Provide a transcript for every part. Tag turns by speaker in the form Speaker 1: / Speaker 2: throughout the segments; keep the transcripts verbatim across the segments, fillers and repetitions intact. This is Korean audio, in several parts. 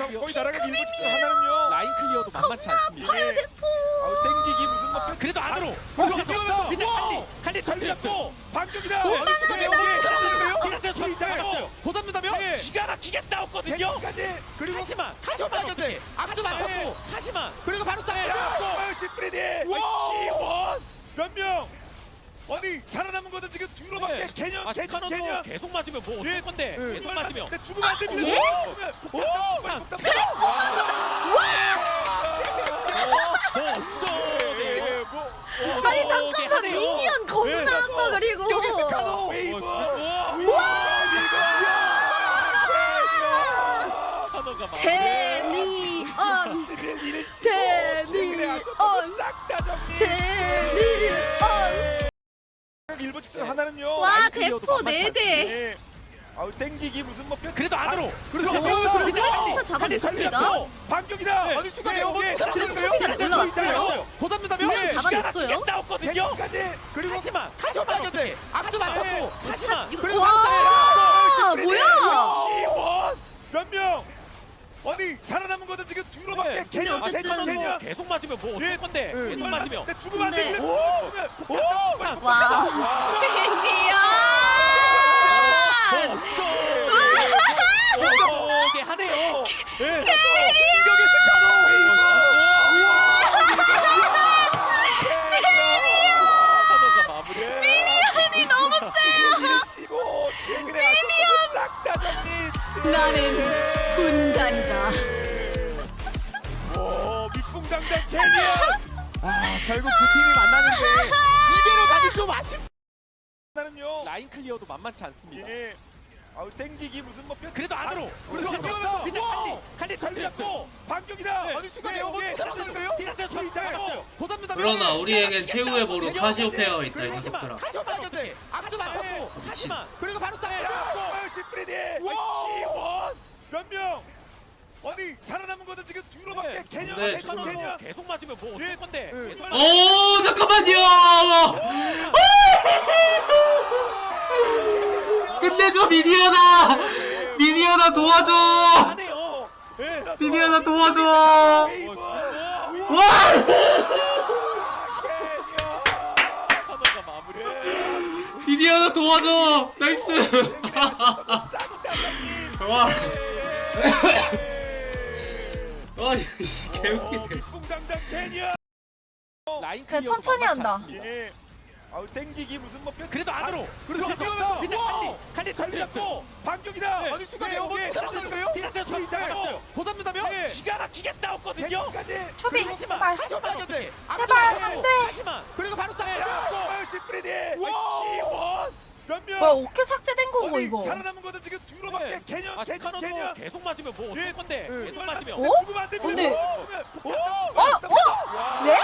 Speaker 1: 거의 나라가 밀고 있는 하나는요.
Speaker 2: 라인 클리어도 만만치 않습니다.
Speaker 1: 예. 아우 땡기기 무슨 뭐
Speaker 2: 그래도 안으로.
Speaker 1: 어,
Speaker 2: 뛰어서
Speaker 1: 뛰어서.
Speaker 2: 칼리 칼리 터뜨렸고
Speaker 1: 반격이다.
Speaker 2: 오,
Speaker 1: 아니, 순간 내가
Speaker 2: 예.
Speaker 1: 들어가는데요?
Speaker 2: 피나트 터뜨렸어요.
Speaker 1: 도전된다며?
Speaker 2: 예. 기가 막히게 싸웠거든요.
Speaker 1: 까지
Speaker 2: 그리고 하지마
Speaker 1: 하지마
Speaker 2: 어떻게
Speaker 1: 앞서 맞췄고
Speaker 2: 하지마
Speaker 1: 그리고 바로 싹
Speaker 2: 야,
Speaker 1: 시프리디
Speaker 2: 시원
Speaker 1: 몇 명? 아니 살아남은 것도 지금 뒤로밖에
Speaker 2: 네.
Speaker 1: 개년
Speaker 2: 아
Speaker 1: 개년
Speaker 2: 스카노도
Speaker 1: 개년
Speaker 2: 계속 맞으면 뭐
Speaker 1: 예.
Speaker 2: 어떨 건데
Speaker 1: 예.
Speaker 2: 계속 맞으면
Speaker 1: 근데 죽으면 안 됩니다.
Speaker 3: 예?
Speaker 1: 오! 예, 뭐, 어,
Speaker 3: 아니
Speaker 2: 어,
Speaker 3: 잠깐만
Speaker 2: 네,
Speaker 3: 미니언
Speaker 1: 네.
Speaker 3: 겁나 아파 그리고
Speaker 1: 여기 스카노 웨이브.
Speaker 2: 카노가 막
Speaker 3: 데니언 데니언
Speaker 1: 싹다 정리.
Speaker 3: 데니언
Speaker 1: 일본 직전 하나는요.
Speaker 3: 와
Speaker 2: 라인 클리어도
Speaker 3: 대포
Speaker 2: 만만치
Speaker 3: 네 대.
Speaker 1: 예. 아우 땡기기 무슨 뭐 뼈-
Speaker 2: 그래도 안으로
Speaker 3: 오 그리고 햄스터 잡아냈습니다.
Speaker 1: 반격이다.
Speaker 2: 네.
Speaker 1: 아니 순간
Speaker 2: 네,
Speaker 1: 내가
Speaker 2: 네.
Speaker 1: 뭐
Speaker 3: 그래서 초비가 올라왔고요.
Speaker 1: 도전된다며?
Speaker 3: 두 명 잡아냈어요.
Speaker 2: 싸웠거든요.
Speaker 1: 까지 그리고
Speaker 2: 하지마
Speaker 1: 하지마
Speaker 2: 어떻게
Speaker 1: 앞서 맞췄고
Speaker 2: 하지마
Speaker 1: 그리고
Speaker 3: 와 뭐야?
Speaker 2: 시원
Speaker 1: 몇 명? 아니 살아남은 것도 지금 뒤로밖에
Speaker 2: 네.
Speaker 1: 개년
Speaker 3: 근데 어쨌든
Speaker 1: 개년 개년.
Speaker 2: 계속 맞으면 뭐
Speaker 1: 예.
Speaker 2: 어떨 건데
Speaker 1: 예.
Speaker 2: 계속 맞으면
Speaker 1: 근데 죽으면 안
Speaker 3: 근데-
Speaker 1: 됩니다. 오! 오!
Speaker 3: 와 미니언
Speaker 2: 오게 하네요.
Speaker 1: 예. 진격의 스카노 웨이브.
Speaker 2: 카노가 마무리.
Speaker 3: 미니언이 너무 세요.
Speaker 1: 미니언 싹다 정리.
Speaker 3: 나는 군단이다.
Speaker 1: 오, 밑붕당당 캐니언. 아, 결국 두 팀이 만나는데 이대로 가기 좀 아쉽. 나는요.
Speaker 2: 라인 클리어도 만만치 않습니다.
Speaker 1: 예. 아우 땡기기 무슨 뭐 뼈-
Speaker 2: 그래도 안으로.
Speaker 1: 그리고
Speaker 2: 그래서
Speaker 1: 뛰어서
Speaker 2: 근데
Speaker 1: 우와!
Speaker 2: 칼리 칼리 터뜨렸고
Speaker 1: 반격이다.
Speaker 2: 네.
Speaker 1: 아니 순간
Speaker 2: 네,
Speaker 1: 내가 뭐
Speaker 2: 네.
Speaker 1: 들어가는데요?
Speaker 2: 피나트 터뜨렸어요.
Speaker 1: 도전된다.
Speaker 4: 그러나 우리에겐 최후의 보루 카시오 페어 있다 이
Speaker 2: 하지마
Speaker 4: 녀석들아.
Speaker 1: 하지마 어떻게? 앞서 맞췄고
Speaker 2: 하지마
Speaker 1: 그리고 바로 싹. 시프리디.
Speaker 2: 시원
Speaker 1: 몇 명? 아니 살아남은 것도 지금 뒤로밖에
Speaker 2: 네.
Speaker 1: 개년
Speaker 4: 네,
Speaker 1: 개년
Speaker 4: 저는
Speaker 1: 개년.
Speaker 2: 계속 맞으면 뭐
Speaker 1: 예.
Speaker 2: 어떨 건데
Speaker 1: 예.
Speaker 2: 계속
Speaker 4: 오 잠깐만요. 끝내줘 미니언아. 미니언아 도와줘.
Speaker 2: 하네요.
Speaker 1: 예.
Speaker 4: 미니언아 도와줘.
Speaker 1: 웨이브.
Speaker 4: 와.
Speaker 2: 카노가 마무리.
Speaker 4: 미니언아 도와줘. 나이스. 와. 아 이씨 개웃기네.
Speaker 1: 밑붕당당 캐니언.
Speaker 2: 라인
Speaker 3: 그냥
Speaker 2: 클리어도
Speaker 3: 천천히
Speaker 2: 만만치
Speaker 3: 한다.
Speaker 2: 않습니다.
Speaker 1: 예. 아우 땡기기 무슨 뭐 뼈-
Speaker 2: 그래도 안으로.
Speaker 1: 그리고
Speaker 2: 그래서
Speaker 1: 뛰어서
Speaker 2: 근데
Speaker 1: 우와!
Speaker 2: 칼리 칼리 터뜨렸고
Speaker 1: 반격이다.
Speaker 2: 네.
Speaker 1: 아니 순간
Speaker 2: 네,
Speaker 1: 내가 뭐
Speaker 2: 네.
Speaker 1: 들어가는데요?
Speaker 2: 피나트 터뜨렸어요.
Speaker 1: 도전된다며?
Speaker 2: 예. 기가 막히게 싸웠거든요.
Speaker 1: 까지
Speaker 3: 초비
Speaker 2: 하지마.
Speaker 3: 제발
Speaker 1: 하지마 어떻게?
Speaker 3: 제발 안돼.
Speaker 2: 하지마.
Speaker 1: 그리고 바로 싹. 시프리디.
Speaker 2: 시원.
Speaker 1: 몇 명?
Speaker 3: 뭐야 어깨 삭제된 거고
Speaker 1: 아니,
Speaker 3: 이거.
Speaker 1: 살아남은 것도 지금 뒤로밖에
Speaker 2: 네.
Speaker 1: 개년
Speaker 2: 아
Speaker 1: 개년
Speaker 2: 스카노도
Speaker 1: 개년.
Speaker 2: 계속 맞으면 뭐 어떨
Speaker 1: 예.
Speaker 2: 건데
Speaker 1: 예.
Speaker 2: 계속 맞으면
Speaker 3: 어?
Speaker 1: 죽으면 안 됩니다.
Speaker 3: 근데-
Speaker 1: 오!
Speaker 3: 어? 어? 네?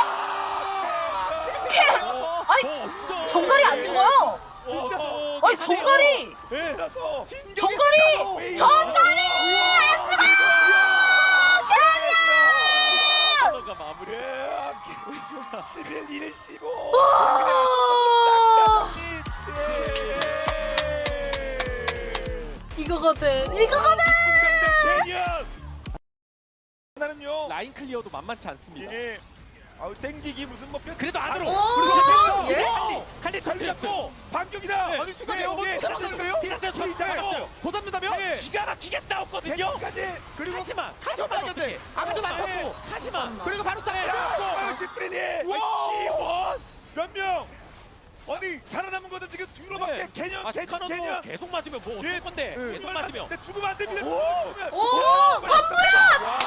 Speaker 3: 아니 정갈이 안 죽어요. 아니 정갈이
Speaker 1: 예.
Speaker 3: 정갈이 정갈이 안 죽어요.
Speaker 2: 카노가 마무리.
Speaker 1: 십일, 일, 십오.
Speaker 3: 와 이거거든 이거거든.
Speaker 1: 나는요.
Speaker 2: 라인 클리어도 만만치 않습니다.
Speaker 1: 예. 아우 땡기기 무슨 뭐 뼈-
Speaker 2: 그래도 안으로.
Speaker 3: 오, 예?
Speaker 2: 칼리 칼리 터뜨렸고
Speaker 1: 반격이다.
Speaker 2: 네.
Speaker 1: 아니 순간
Speaker 2: 네,
Speaker 1: 내가 뭐
Speaker 2: 네.
Speaker 1: 들어가는데요?
Speaker 2: 피나트 터뜨렸어요.
Speaker 1: 도전된다며?
Speaker 2: 예. 기가 막히게 싸웠거든요.
Speaker 1: 까지 그리고
Speaker 2: 하지마.
Speaker 1: 하지마 어떻게? 앞서 맞췄고
Speaker 2: 하지마.
Speaker 1: 그리고 바로 싹. 시프리디.
Speaker 2: 시원.
Speaker 1: 몇 명? 아니 살아남은 것도 지금 뒤로밖에
Speaker 2: 네.
Speaker 1: 개년
Speaker 2: 아
Speaker 1: 개년
Speaker 2: 스카노도
Speaker 1: 개년.
Speaker 2: 계속 맞으면 뭐
Speaker 1: 예.
Speaker 2: 어떨 건데
Speaker 1: 예.
Speaker 2: 계속 맞으면
Speaker 1: 근데 죽으면 안 됩니다.
Speaker 3: 오 건부야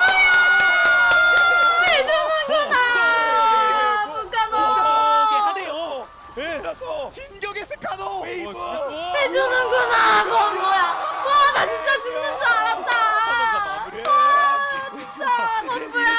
Speaker 3: 해주는구나 북한호
Speaker 2: 오게 하네요.
Speaker 1: 예. 진격의 스카노 웨이브.
Speaker 3: 해주는구나 건부야. 와 나 진짜 죽는 줄 알았다. 와 진짜 건부야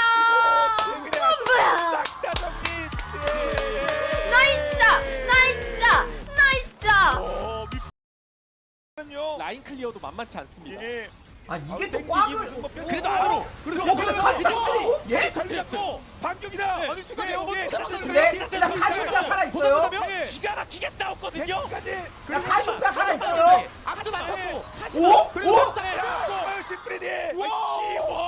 Speaker 3: 건부야.
Speaker 1: 싹다 정리.
Speaker 3: 나 있자 나 있자 나 있자.
Speaker 1: 어, 밑은요.
Speaker 2: 라인 클리어도 만만치 않습니다.
Speaker 1: 예.
Speaker 5: 아 이게
Speaker 1: 아우,
Speaker 5: 또
Speaker 1: 땡기기
Speaker 5: 꽝을
Speaker 1: 무슨 뭐 뼈-
Speaker 2: 그래도 안으로.
Speaker 1: 그리고
Speaker 5: 어 근데 칼이 싹들이고 예?
Speaker 2: 터뜨렸고
Speaker 1: 반격이다.
Speaker 2: 네.
Speaker 1: 아니 순간
Speaker 2: 네,
Speaker 1: 내가 뭐
Speaker 2: 네.
Speaker 1: 들어가는데요?
Speaker 5: 근데 나 카시오페아 살아있어요.
Speaker 1: 예.
Speaker 2: 기가 막히게 싸웠거든요.
Speaker 1: 까지
Speaker 5: 나 카시오페아 살아있어요.
Speaker 1: 앞서 맞췄고
Speaker 5: 오?
Speaker 1: 그리고
Speaker 5: 오?
Speaker 1: 바로 싹. 시프리디.
Speaker 2: 시원.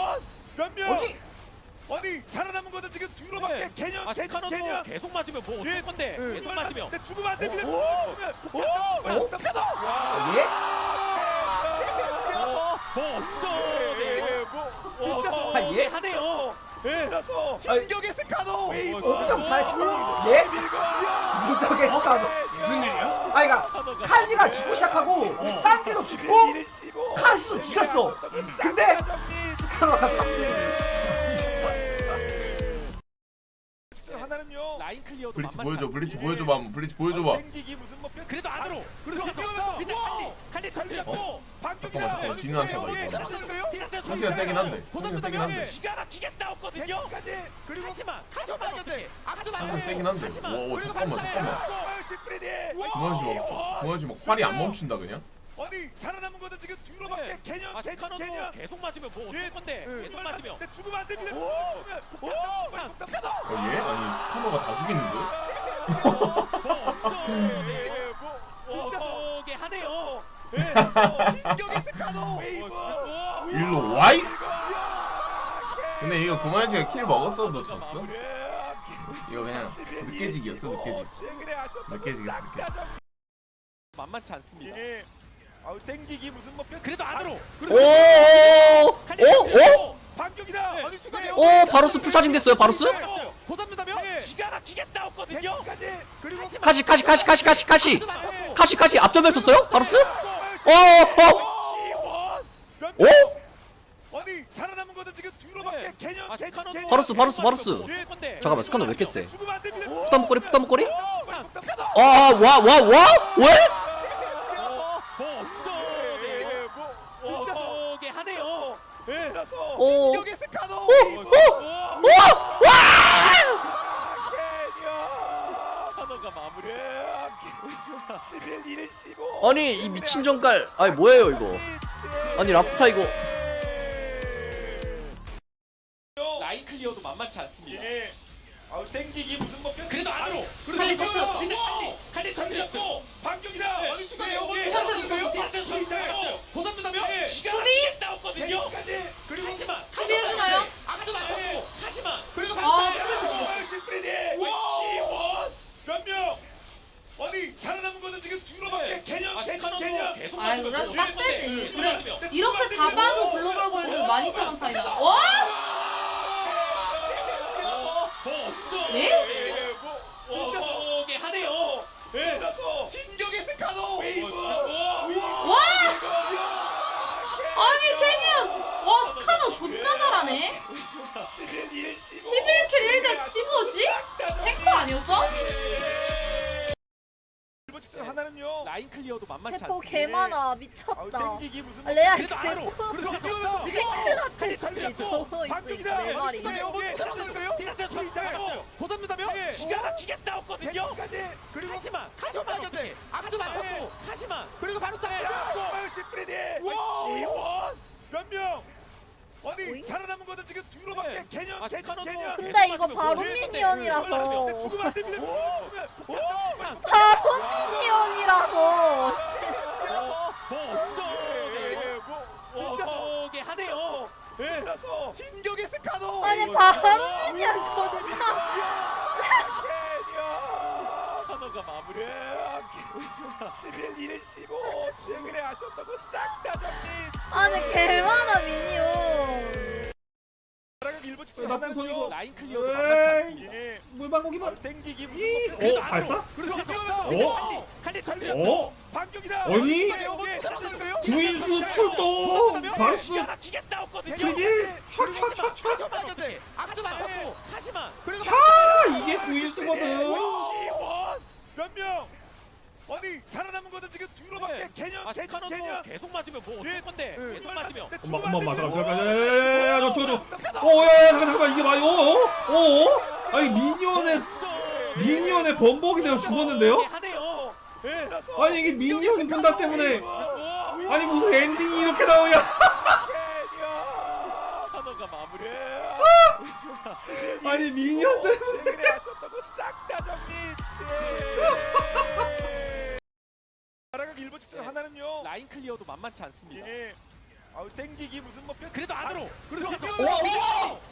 Speaker 1: 변명.
Speaker 5: 어디?
Speaker 1: 아니 살아남은 것은 지금 뒤로밖에
Speaker 2: 네.
Speaker 1: 개념
Speaker 2: 아
Speaker 1: 개념
Speaker 2: 스카너도
Speaker 1: 개념.
Speaker 2: 계속 맞으면 뭐
Speaker 1: 예.
Speaker 2: 어쩔 건데
Speaker 1: 예.
Speaker 2: 계속 맞으면
Speaker 1: 근데 죽으면 안 됩니다.
Speaker 5: 오.
Speaker 1: 오.
Speaker 5: 어? 예?
Speaker 2: 더
Speaker 1: 뭐
Speaker 5: 아, 예?
Speaker 2: 하네요.
Speaker 1: 예. 그래서 진격의 스카노. 웨이브.
Speaker 5: 엄청 잘 쓰는 예? 이적의 스카노.
Speaker 4: 무슨 일이야?
Speaker 5: 아니 그니까 칼리가 죽고 시작하고 산티도 죽고 카시도 죽였어. 근데 스카노가 삼
Speaker 1: 하나는요.
Speaker 2: 라인 클리어도
Speaker 6: 블리츠
Speaker 2: 만만치
Speaker 6: 보여줘
Speaker 2: 않습니다.
Speaker 6: 블리츠 보여줘봐 한번 블리츠 보여줘봐
Speaker 1: 땡기기 무슨 뭐 뼈-
Speaker 2: 그래도 안으로.
Speaker 1: 그래서
Speaker 2: 그래서
Speaker 1: 밑에
Speaker 2: 칼리 칼리 털렸어.
Speaker 6: 잠깐만 잠깐만 진우한테 가 이거 카시가 세긴 한데 카시가 세긴 한데
Speaker 2: 기가 막히게 싸웠거든요.
Speaker 1: 그리고
Speaker 2: 하지만 하지만 어떻게?
Speaker 6: 카시가 세긴 한데 와 잠깐만 잠깐만
Speaker 1: 시프리디.
Speaker 6: 그만하지 마 그만하지 마 활이 안 멈춘다 그냥
Speaker 1: 아니 살아남은 것은 지금 뒤로밖에
Speaker 2: 네.
Speaker 1: 개념
Speaker 2: 아
Speaker 1: 개념
Speaker 2: 스카너도
Speaker 1: 개념.
Speaker 2: 계속 맞으면 뭐 어쩔 건데
Speaker 1: 예.
Speaker 2: 계속 맞으면
Speaker 1: 근데 죽으면 안 됩니다. 오. 오.
Speaker 6: 어 얘? 아니 스카너가 다 죽이는데?
Speaker 2: 오게 하네요.
Speaker 1: 진격의 스카노. 웨이브.
Speaker 6: 일로 와이? 근데 이거 구만씨가 킬 먹었어도 졌어? 이거 그냥 느껴지기였어 느껴지기 느껴지겠어 느껴지기
Speaker 2: 만만치 않습니다.
Speaker 1: 예. 아우 땡기기 무슨 뭐 뼈-
Speaker 2: 그래도 안으로.
Speaker 7: 오오오오
Speaker 1: 반격이다. 아니 순간에
Speaker 7: 오 바로스 풀차징 됐어요 바로스?
Speaker 1: 도전된다며?
Speaker 2: 기가 막히게 싸웠거든요.
Speaker 1: 까지 그리고
Speaker 7: 카시 카시 카시 카시 카시 카시 카시 카시 앞점에 썼어요 바로스? 어어 오?
Speaker 1: 아니 살아남은 것은 지금 뒤로밖에 개념
Speaker 2: 아
Speaker 1: 개념
Speaker 2: 스카너도
Speaker 1: 개념.
Speaker 7: 바로스 바로스 바로스
Speaker 2: 예, 건데.
Speaker 7: 잠깐만 스카너 왜 이렇게 세?
Speaker 1: 죽으면 안 됩니다.
Speaker 7: 부담목걸이 부담목걸이?
Speaker 1: 어,
Speaker 7: 아와와 와? 왜?
Speaker 2: 오게 하네요.
Speaker 7: 오.
Speaker 1: 진격의 스카노.
Speaker 7: 오! 와!
Speaker 2: 스카너가 마무리.
Speaker 1: 십일, 일, 십오.
Speaker 7: 아니 이 미친 정갈 아니 뭐예요 이거 아니 랍스타 이거
Speaker 2: 라인 클리어도 만만치 않습니다.
Speaker 1: 예. 아우 땡기기 무슨 뭐 뼈-
Speaker 2: 그래도 안으로.
Speaker 3: 칼리 터뜨렸다.
Speaker 2: 근데 칼리 칼리 터뜨렸어.
Speaker 1: 반격이다. 아니 순간에 도전된다며?
Speaker 2: 기가
Speaker 3: 수비?
Speaker 2: 막히게 싸웠거든요.
Speaker 1: 그리고
Speaker 2: 하지만
Speaker 3: 수비 해주나요?
Speaker 2: 하지만
Speaker 3: 아 수비도 죽였어.
Speaker 1: 시프리디. 시원. 몇 명? 아니 살아남은 것은 지금 뒤로밖에 개념
Speaker 2: 아
Speaker 1: 개념
Speaker 2: 스카너도
Speaker 1: 개념.
Speaker 2: 계속
Speaker 3: 아이
Speaker 2: 맞으면
Speaker 3: 그래도
Speaker 2: 뭐
Speaker 3: 빡세지.
Speaker 2: 어쩔 건데.
Speaker 3: 그래 이렇게 잡아도 글로벌 골드 만 이천 원 차이나. 와? 예?
Speaker 2: 오게 하네요. 예.
Speaker 1: 진격의 스카노. 웨이브.
Speaker 3: 와? 아니 캐니언 와 스카너 존나 잘하네.
Speaker 1: 십일, 일, 십오.
Speaker 3: 십일 킬 일 대 십오씩? 탱커 아니었어?
Speaker 1: 하나는요.
Speaker 2: 라인 클리어도 만만치
Speaker 3: 대포
Speaker 2: 않습니다.
Speaker 3: 개 많아
Speaker 1: 아우
Speaker 3: 미쳤다.
Speaker 1: 땡기기 무슨
Speaker 3: 아,
Speaker 1: 뭐-
Speaker 3: 레알
Speaker 2: 그래도 안으로.
Speaker 3: 대포
Speaker 1: 그래서 뛰어요.
Speaker 3: 탱크 같아
Speaker 2: 칼리
Speaker 3: 씨
Speaker 2: 털렸어.
Speaker 3: 저거 있어
Speaker 1: 반격이다.
Speaker 3: 네 마리.
Speaker 1: 순간에 어머 도전된다며? 도전된다며?
Speaker 2: 기가 막히게 싸웠거든요.
Speaker 1: 그리고
Speaker 2: 하지만 하지만 어떻게?
Speaker 1: 앞서 맞췄고.
Speaker 2: 하지만
Speaker 1: 그리고 바로 탑. 시프리디. 시원. 몇 명? 아니
Speaker 3: 오잉?
Speaker 1: 살아남은 것은 지금 뒤로밖에
Speaker 2: 네.
Speaker 1: 개념
Speaker 2: 아,
Speaker 1: 개념
Speaker 2: 스카너도
Speaker 1: 개념.
Speaker 3: 근데 이거 바로
Speaker 2: 예.
Speaker 3: 미니언이라서
Speaker 1: 죽으면 안 됩니다. 오. 오.
Speaker 3: 바로 미니언이라서
Speaker 2: 오게 하네요.
Speaker 1: 진격의 스카노.
Speaker 3: 아니 바로 미니언 존나
Speaker 2: 스카너가 마무리.
Speaker 1: 십일, 일, 십오. 최근에 하셨다고 싹 다 정리.
Speaker 3: 아니 개 많아 미니언.
Speaker 1: 일본 직전
Speaker 5: 나쁜
Speaker 1: 하나는요.
Speaker 5: 소리고.
Speaker 2: 라인 클리어도 만만치 않습니다.
Speaker 1: 예.
Speaker 5: 물방고기만.
Speaker 1: 땡기기 무슨
Speaker 2: 그래도
Speaker 5: 어,
Speaker 2: 안으로.
Speaker 5: 발사?
Speaker 1: 그래서
Speaker 5: 어?
Speaker 2: 칼리 털렸어.
Speaker 5: 어?
Speaker 1: 반격이다.
Speaker 5: 아니? 구인수 출동. 바로스.
Speaker 2: 기가 막히게 싸웠거든요.
Speaker 5: 피디. 차차차차.
Speaker 2: 하지만 어떻게? 앞서 맞췄고. 하지만
Speaker 5: 차 이게 구인수거든.
Speaker 1: 시원. 몇 명? 아니 살아남은 것은 지금 뒤로밖에
Speaker 2: 네.
Speaker 1: 개념
Speaker 2: 아
Speaker 1: 개념
Speaker 2: 스카너도
Speaker 1: 개념.
Speaker 2: 계속 맞으면 뭐 어쩔 건데.
Speaker 1: 예.
Speaker 2: 계속 맞으면.
Speaker 5: 엄마 엄마 엄마 잠깐 잠깐 야야야야 저 저거 저 어야 잠깐 잠깐 이게 말이 어어 아니 미니언의 미니언의 번복이 되어 죽었는데요?
Speaker 2: 하네요.
Speaker 1: 예.
Speaker 5: 아니 이게 미니언 분다 때문에 아니 무슨 엔딩이 이렇게 나오냐?
Speaker 2: 스카너가 마무리.
Speaker 5: 아니 미니언 때문에
Speaker 1: 최근에 하셨다고 싹 다 정리. 나라가 일본 직전 하나는요.
Speaker 2: 라인 클리어도 만만치 않습니다.
Speaker 1: 예. 아우 땡기기 무슨 뭐 뼈-
Speaker 2: 그래도 안으로.
Speaker 1: 그래서
Speaker 5: 오, 오!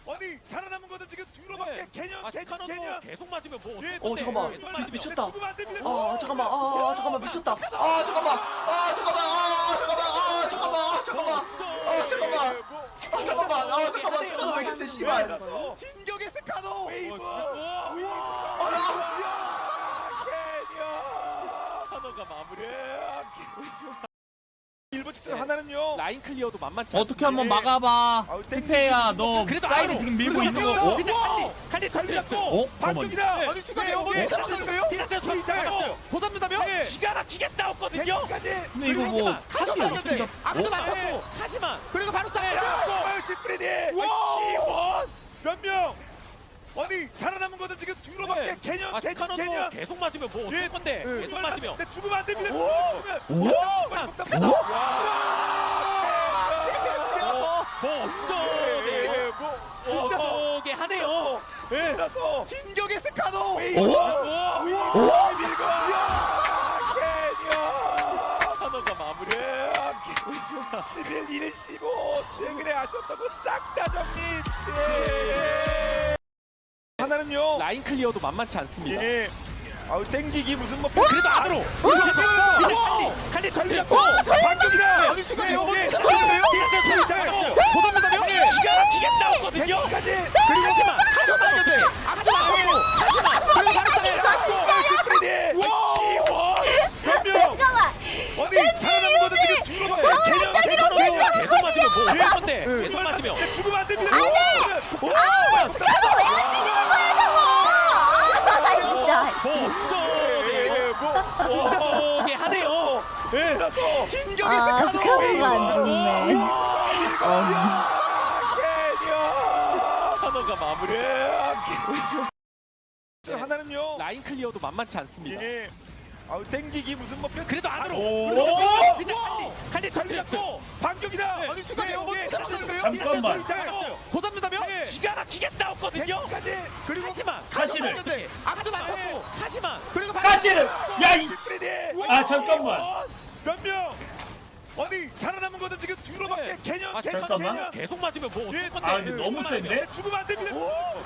Speaker 1: 아니 살아남은 것도 지금 뒤로밖에 개념
Speaker 2: 아,
Speaker 1: 개념
Speaker 2: 스카노도
Speaker 1: 개념.
Speaker 2: 계속 맞으면 뭐
Speaker 1: 예,
Speaker 2: 어떡해.
Speaker 7: 어, 잠깐만.
Speaker 2: 계속
Speaker 7: 미-
Speaker 2: 맞으면.
Speaker 7: 미쳤다.
Speaker 1: 죽으면 안 됩니다.
Speaker 7: 아 잠깐만 아 잠깐만 미쳤다 아 잠깐만 아 잠깐만 아 잠깐만 아 잠깐만 아 잠깐만 아 잠깐만 아 잠깐만 아 잠깐만 스카노 왜 이렇게 세 씨발
Speaker 1: 진격의 스카노 웨이브.
Speaker 2: 어,
Speaker 1: 개념.
Speaker 2: 스카노가 마무리.
Speaker 1: 일본 직전 하나는요.
Speaker 2: 라인 클리어도 만만치
Speaker 5: 어떻게
Speaker 2: 않습니다.
Speaker 5: 한번 막아봐.
Speaker 1: 아우,
Speaker 5: 티페야 너
Speaker 2: 그래도
Speaker 5: 사이드
Speaker 2: 알아.
Speaker 5: 지금 밀고 있는 거.
Speaker 1: 어?
Speaker 5: 어?
Speaker 2: 근데 칼리 칼리 걸렸어.
Speaker 5: 어? 잠깐만.
Speaker 1: 반격이다.
Speaker 2: 네.
Speaker 1: 아니 순간에 어머니
Speaker 2: 네.
Speaker 1: 떨어졌는데요?
Speaker 2: 디나테 잡았어요.
Speaker 1: 도전된다며?
Speaker 2: 기가 막히게 싸웠거든요.
Speaker 1: 까지.
Speaker 5: 근데 이거 뭐 카시 어떻게 잡?
Speaker 1: 앞서
Speaker 5: 어?
Speaker 1: 맞췄고.
Speaker 2: 하지만
Speaker 1: 그리고 바로 싹. 시프리디.
Speaker 2: 시원.
Speaker 1: 몇 명? 아니 살아남은 것도 지금 뒤로밖에
Speaker 2: 네.
Speaker 1: 개념
Speaker 2: 아,
Speaker 1: 개념
Speaker 2: 스카노도
Speaker 1: 개념.
Speaker 2: 계속 맞으면 뭐
Speaker 1: 예.
Speaker 2: 어떨 건데.
Speaker 1: 예.
Speaker 2: 계속 맞으면.
Speaker 1: 근데 죽으면 안 됩니다.
Speaker 5: 오?
Speaker 1: 오!
Speaker 2: 뭐 어쩌네. 어쩌게 하네요.
Speaker 1: 예. 그래서 진격의 스카노. 웨이브.
Speaker 5: 어?
Speaker 1: 오! 밀고. 개념.
Speaker 2: 스카노가 마무리.
Speaker 1: 십일, 일, 십오 최근에 아쉬웠다고 싹 다 정리. 하나는요.
Speaker 2: 라인 클리어도 만만치 않습니다.
Speaker 1: 예. 아우 땡기기 무슨 뭐
Speaker 2: 그래도 안으로. 칼리 칼리 걸렸어.
Speaker 1: 반격이다. 아니 순간에 어머니 떨어졌는데요? 도전된다며?
Speaker 2: 기가 막히게 싸웠거든요.
Speaker 1: 그리고
Speaker 2: 하지만
Speaker 1: 하지만
Speaker 2: 하지만
Speaker 1: 그리고 바로
Speaker 8: 잠깐만.
Speaker 1: 어디 살아남은 것도 지금 뒤로
Speaker 8: 정확하기로
Speaker 2: 계속 맞으면 뭐 어떨 건데.
Speaker 1: 예.
Speaker 2: 계속 맞으면.
Speaker 1: 죽으면 안 됩니다.
Speaker 8: 아우 스카노 왜 안 뒤지는 거야 저거. 아 진짜.
Speaker 2: 뭐 어쩌게 하네요.
Speaker 1: 진격의
Speaker 8: 아
Speaker 1: 스카노
Speaker 8: 스카노가 안 좋네.
Speaker 2: 스카노가 마무리.
Speaker 1: 하나는요.
Speaker 2: 라인 클리어도 만만치 않습니다.
Speaker 1: 예. 아우 땡기기 무슨 뭐
Speaker 2: 그래도 안으로.
Speaker 5: 오!
Speaker 2: 칼리 걸렸어.
Speaker 1: 반격이다. 아니 순간에 어머니 떨어졌는데요?
Speaker 5: 잠깐만.
Speaker 1: 도전된다며?
Speaker 2: 기가 막히게 싸웠거든요.
Speaker 1: 그리고
Speaker 2: 하지만
Speaker 5: 카시를.
Speaker 1: 앞서 맞췄고
Speaker 2: 하지만
Speaker 1: 그리고
Speaker 5: 카시를. 야 이씨. 아 잠깐만.
Speaker 1: 몇 명? 아니 살아남은 것도 지금 뒤로밖에 개념
Speaker 2: 아,
Speaker 1: 개념
Speaker 5: 잠깐만.
Speaker 1: 개념.
Speaker 2: 계속 맞으면 뭐 어떨 건데.
Speaker 5: 아 근데 너무 센데?
Speaker 1: 죽으면 안 됩니다.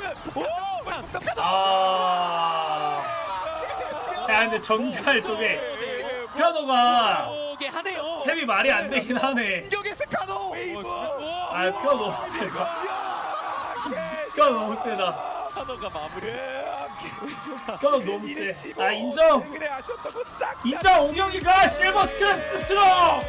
Speaker 5: 아. 야 근데 정갈 저게 스카노가
Speaker 2: 어게 하네요.
Speaker 5: 템이 말이 안 되긴 하네.
Speaker 1: 진격의 스카노 웨이브.
Speaker 5: 아 스카노 너무 세다. 스카노 너무 세다.
Speaker 2: 스카노가 마무리.
Speaker 5: 스카노 너무 세. 아 인정.
Speaker 1: 그래 아쉬웠다고 싹.
Speaker 5: 인정 오경이가 실버 스크랩 스트롱.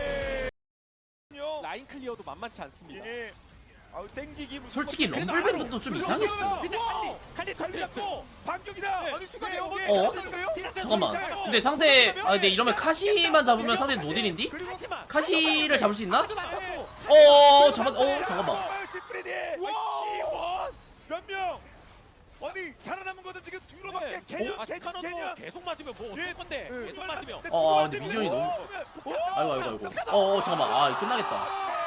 Speaker 2: 라인 클리어도 만만치 않습니다.
Speaker 1: 예. 아우 땡기기 무슨
Speaker 9: 솔직히
Speaker 1: 그래도
Speaker 9: 럼블밴드도 좀
Speaker 1: 그리고
Speaker 9: 이상했어.
Speaker 1: 칼리
Speaker 2: 칼리 걸렸어.
Speaker 1: 반격이다. 아니 순간에 어머니
Speaker 9: 어?
Speaker 1: 떨어졌는데요?
Speaker 9: 잠깐만. 근데 상대 아 근데 이러면 카시만 잡으면 상대 노딜인디?
Speaker 2: 하지만
Speaker 9: 카시를 잡을 수 있나?
Speaker 1: 앞서 맞췄고
Speaker 9: 어 잠깐 어 잠깐만.
Speaker 1: 몇 명? 아니 살아남은 것도 지금 뒤로밖에
Speaker 2: 아,
Speaker 1: 개념 개념
Speaker 2: 스카노도
Speaker 1: 개념.
Speaker 2: 계속 맞으면 뭐 어떨 건데. 계속 맞으면.
Speaker 9: 어, 아, 근데 미니언이 너무- 아이고 아이고 아이고. 어, 어 잠깐만. 아 이거 끝나겠다.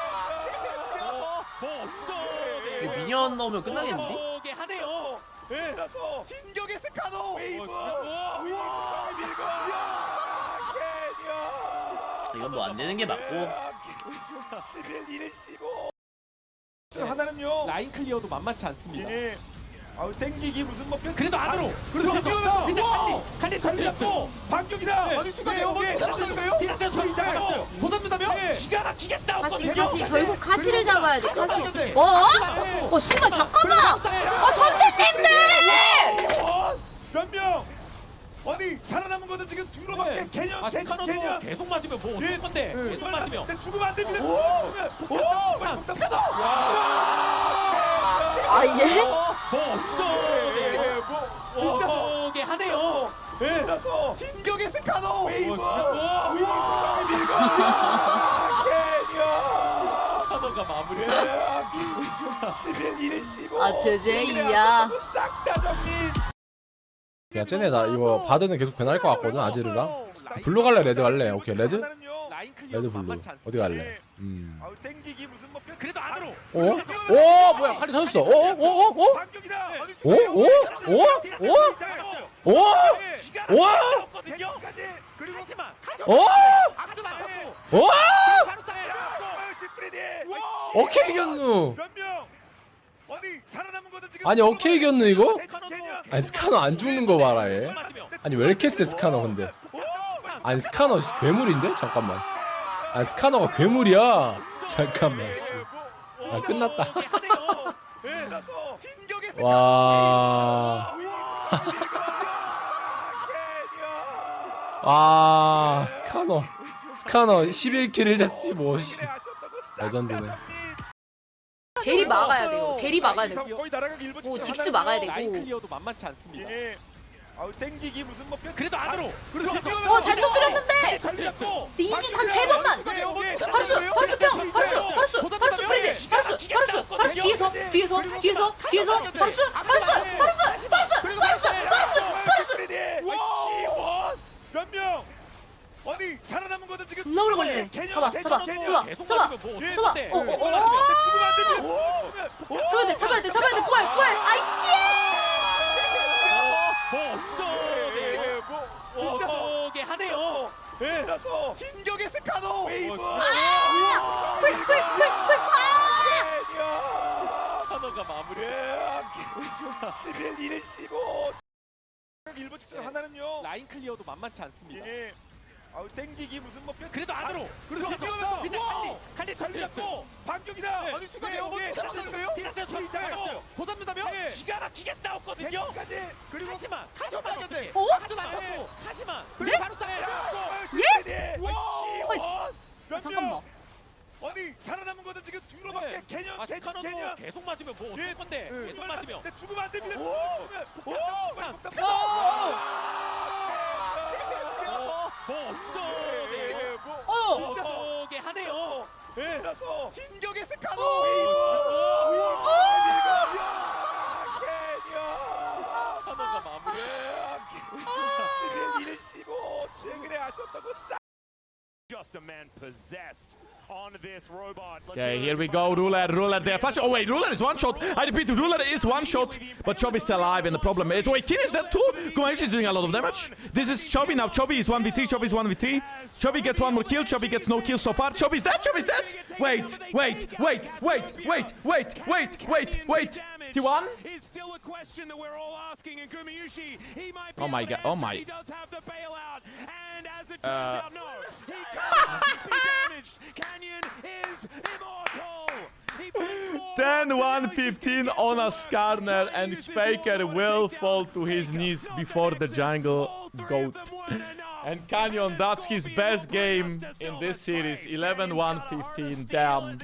Speaker 2: 뭐 어쩌네.
Speaker 9: 이거 미니언 넣으면 끝나겠는데?
Speaker 2: 어게 하네요.
Speaker 1: 그래서 진격의 스카노 웨이브. 밀고. 개념.
Speaker 9: 이건 뭐 안 되는 게 맞고.
Speaker 1: 십일, 일, 십오 하나는요.
Speaker 2: 라인 클리어도 만만치 않습니다.
Speaker 1: 예. 아우 땡기기 무슨 뭐
Speaker 2: 그래도 안으로.
Speaker 1: 그리고
Speaker 2: 칼리 칼리 걸렸어.
Speaker 1: 반격이다. 아니 순간에 어머니 떨어졌는데요? 도전된다며?
Speaker 2: 기가 막히게
Speaker 8: 가시
Speaker 2: 싸웠거든요.
Speaker 8: 가시 결국 가시를 잡아야 돼 가시.
Speaker 1: 네.
Speaker 8: 뭐? 어 씨발 잠깐만. 아 선생님들.
Speaker 1: 몇 명? 아니 살아남은 것도 지금 뒤로밖에 개념
Speaker 2: 아,
Speaker 1: 개념
Speaker 2: 스카노도
Speaker 1: 개념.
Speaker 2: 계속 맞으면 뭐 어떨 건데. 계속 맞으면.
Speaker 1: 근데 죽으면 안 됩니다.
Speaker 8: 아 예?
Speaker 2: 뭐 어쩌네. 어게 하네요.
Speaker 1: 그래서 진격의 스카노 웨이브. 밀고. 개념.
Speaker 2: 스카노가 마무리.
Speaker 1: 십일, 일, 십오
Speaker 8: 아 제제이야.
Speaker 1: 싹다 정리.
Speaker 6: 야 쟤네 나 이거 바드는 계속 변할 것 같거든 아지르랑. 블루 갈래 레드 갈래? 오케이 레드?
Speaker 2: 라인 클리어도
Speaker 6: 레드 블루
Speaker 2: 만만치 않습니다.
Speaker 6: 어디 갈래? 음.
Speaker 1: 아우 땡기기 무슨 뭐
Speaker 2: 그래도 안으로.
Speaker 6: 어? 오 뭐야 칼이 터졌어. 어? 어? 어? 어?
Speaker 1: 반격이다. 아니,
Speaker 6: 오? 오? 오? 오? 오? 오?
Speaker 2: 거든요.
Speaker 1: 그리고
Speaker 2: 하지만
Speaker 6: 오?
Speaker 1: 앞서 맞췄고
Speaker 6: 오?
Speaker 1: 바로 싹. 시프리디.
Speaker 6: 오케이 이겼누.
Speaker 1: 몇 명? 아니 살아남은
Speaker 6: 아니 오케이 이겼네 이거? 아니 스카너 안 죽는 거 봐라 얘. 아니 왜 이렇게 세 스카너 근데? 아니 스카너 씨, 괴물인데? 잠깐만. 아니 스카너가 괴물이야. 잠깐만. 씨. 아 끝났다. 와. 아 스카너. 스카너 십일 킬 일 데스 십오 씨. 레전드네.
Speaker 3: 제리 막아야 돼요. 제리 막아야 되고.
Speaker 1: 거의 날아가기 일본
Speaker 3: 뭐
Speaker 1: 직전
Speaker 3: 직스
Speaker 1: 하나요.
Speaker 3: 막아야
Speaker 2: 라인
Speaker 3: 되고.
Speaker 2: 클리어도 만만치 않습니다.
Speaker 1: 예. 아우 땡기기 무슨 뭐
Speaker 2: 그래도 안으로.
Speaker 3: 어, 잘 터뜨렸는데.
Speaker 1: 걸렸고.
Speaker 3: 이짓 한 세 번만. 바루스, 바루스 평, 바루스, 바루스, 바루스 프리드, 바루스, 바루스, 바루스 뒤에서, 뒤에서, 뒤에서, 뒤에서, 바루스, 바루스, 바루스, 바루스, 바루스, 바루스, 바루스.
Speaker 1: 와! 몇 명? 아니 살아남은 것도 지금
Speaker 3: 존나 오래 걸리네. 잡아, 잡아, 잡아, 잡아, 잡아. 어, 어, 어. 잡아야 돼, 잡아야 돼, 잡아야 돼. 부활, 부활. 아이씨.
Speaker 2: 오게 하네요.
Speaker 1: 예. 진격의 스카노 웨이브.
Speaker 3: 풀, 풀, 풀, 풀.
Speaker 2: 스카너가 마무리.
Speaker 1: 십일, 일, 십오. 일본 직전 하나는요.
Speaker 2: 라인 클리어도 만만치 않습니다.
Speaker 1: 예. 아우 땡기기 무슨 뭐
Speaker 2: 그래도 안으로.
Speaker 1: 그래서
Speaker 2: 밑에
Speaker 1: 뛰어가면서
Speaker 2: 밑에
Speaker 1: 와!
Speaker 2: 칼리 칼리 터뜨렸고.
Speaker 1: 반격이다. 아니 순간
Speaker 2: 네,
Speaker 1: 에어본
Speaker 2: 네,
Speaker 1: 도전하는데요?
Speaker 2: 피라테스 잡았어요.
Speaker 1: 더 잡는다며?
Speaker 2: 기가 막히게 싸웠거든요.
Speaker 1: 까지 그리고
Speaker 2: 하지만 하지만 어떻게?
Speaker 3: 어?
Speaker 2: 하지만 하지만.
Speaker 1: 그리고 바로 딱
Speaker 3: 예?
Speaker 1: 와!
Speaker 3: 잠깐만.
Speaker 1: 아니 살아남은 것도 지금 뒤로밖에
Speaker 2: 네.
Speaker 1: 개념
Speaker 2: 아
Speaker 1: 개념
Speaker 2: 스카너도
Speaker 1: 개념.
Speaker 2: 계속 맞으면 뭐
Speaker 1: 예.
Speaker 2: 어떨 건데?
Speaker 1: 예.
Speaker 2: 계속 맞으면.
Speaker 1: 근데 죽으면 안 됩니다.
Speaker 2: 오!
Speaker 1: 오!
Speaker 3: 어.
Speaker 2: 오게 하네요.
Speaker 1: 예. 진격의 스카노
Speaker 2: 오!
Speaker 1: 웨이브.
Speaker 2: 스카너가 마무리.
Speaker 1: 십일, 일, 십오. 최근에 아셨다고 싸.
Speaker 10: Just a man possessed on this robot. Let's
Speaker 11: Okay,
Speaker 10: see
Speaker 11: here
Speaker 10: if
Speaker 11: we
Speaker 10: can
Speaker 11: go.
Speaker 10: find
Speaker 11: Roulette, roulette there. Flash. Oh wait, roulette is one shot. I repeat, roulette is one shot, but Chubby's still alive, and the problem is, wait, Kin is dead too. Gumayusi is doing a lot of damage. This is Chubby now. Chubby is one v three. Chubby is one v three. Chubby gets one more kill. Chubby gets no kills so far. Chubby's dead. Chubby's dead. Wait, wait, wait, wait, wait, wait, wait, wait, wait. T one.
Speaker 10: is still a question that we're all asking, and Gumayusi, he might be
Speaker 11: Oh my
Speaker 10: able to
Speaker 11: God, oh
Speaker 10: answer.
Speaker 11: my.
Speaker 10: He does have the bailout, and as it turns
Speaker 11: Uh.
Speaker 10: out, no, he can't be damaged. Canyon is immortal. He finds more
Speaker 11: ten
Speaker 10: rocks,
Speaker 11: one
Speaker 10: and now he's just
Speaker 11: fifteen
Speaker 10: gonna
Speaker 11: on
Speaker 10: get
Speaker 11: a
Speaker 10: to work.
Speaker 11: Skarner,
Speaker 10: Trying
Speaker 11: and
Speaker 10: to use this
Speaker 11: Faker
Speaker 10: wall to
Speaker 11: will
Speaker 10: take
Speaker 11: fall
Speaker 10: down
Speaker 11: to his
Speaker 10: Faker.
Speaker 11: knees
Speaker 10: Not
Speaker 11: before the
Speaker 10: Nexus.
Speaker 11: jungle
Speaker 10: All three of
Speaker 11: goat.
Speaker 10: them weren't enough.
Speaker 11: And Canyon, that's his
Speaker 10: Scorpion
Speaker 11: best
Speaker 10: will
Speaker 11: game
Speaker 10: bring us to
Speaker 11: in
Speaker 10: silver
Speaker 11: this series.
Speaker 10: scrapes.
Speaker 11: eleven one fifteen, damn.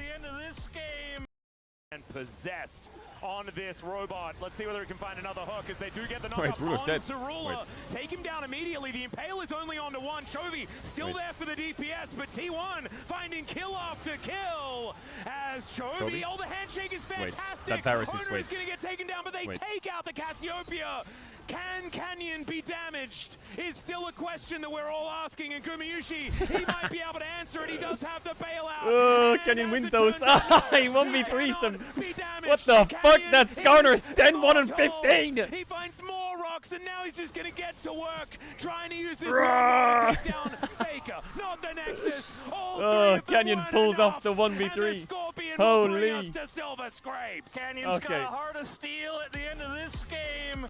Speaker 10: And possessed on this robot. Let's see whether it can find another hook as they do get the
Speaker 5: Wait,
Speaker 10: knock
Speaker 5: Ruler's dead.
Speaker 10: to Ruler.
Speaker 5: Wait.
Speaker 10: Take him down immediately. The Impale is only on to one. Chovy still
Speaker 5: Wait.
Speaker 10: there for the D P S, but T one finding kill after kill as Chovy.
Speaker 5: Chovy?
Speaker 10: Oh, the handshake is
Speaker 5: Wait,
Speaker 10: fantastic.
Speaker 5: that Varus is-
Speaker 10: Owner
Speaker 5: wait.
Speaker 10: is going to get taken down, but they
Speaker 5: Wait.
Speaker 10: take out the Cassiopeia. Can Canyon be damaged? Is still a question that we're all asking. And Gumayusi, he might be able to answer it. He does have the bailout.
Speaker 11: Oh,
Speaker 10: And
Speaker 11: Canyon
Speaker 10: as
Speaker 11: wins
Speaker 10: it
Speaker 11: those.
Speaker 10: turns out, no,
Speaker 11: He one v
Speaker 10: he
Speaker 11: threes them.
Speaker 10: cannot be damaged.
Speaker 11: What the fuck?
Speaker 10: Canyon
Speaker 11: That Skarner is
Speaker 10: is
Speaker 11: ten one and
Speaker 10: immortal.
Speaker 11: fifteen.
Speaker 10: He finds more rocks, and now he's just gonna get to work, trying to use this
Speaker 11: Bruh.
Speaker 10: moment to take down Faker, not the Nexus. All three
Speaker 11: Oh,
Speaker 10: of them
Speaker 11: Canyon
Speaker 10: weren't
Speaker 11: pulls off
Speaker 10: enough,
Speaker 11: the one v
Speaker 10: and
Speaker 11: three.
Speaker 10: the Scorpion will bring
Speaker 11: Holy.
Speaker 10: us to silver scrapes. Canyon's
Speaker 11: Okay.
Speaker 10: got a heart of steel at the end of this game.